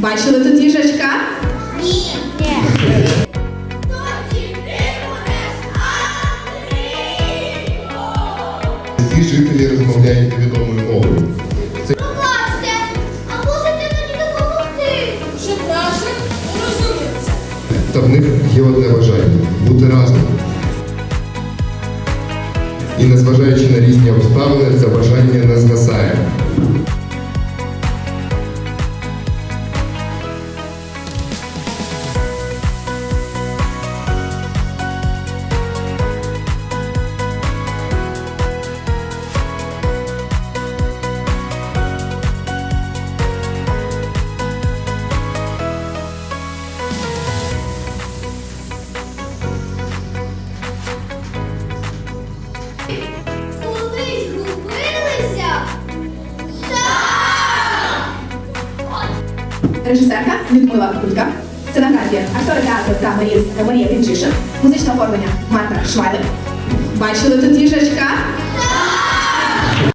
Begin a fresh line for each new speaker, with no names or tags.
Бачили тут їжачка?
Ні. Ні.
Всі жителі розмовляють невідомою мовою.
Пробачте, а можете мені допомогти?
Щоб наші розуміться.
Та в них є одне бажання – бути разом. І незважаючи на різні обставини, це бажання не згасає.
Коли згубилися? Так!
Режисерка Людмила Кулька, сценографія, актори театру та Марія Тимчишин, музичне оформлення Марта Швайлер. Бачили тут їжачка?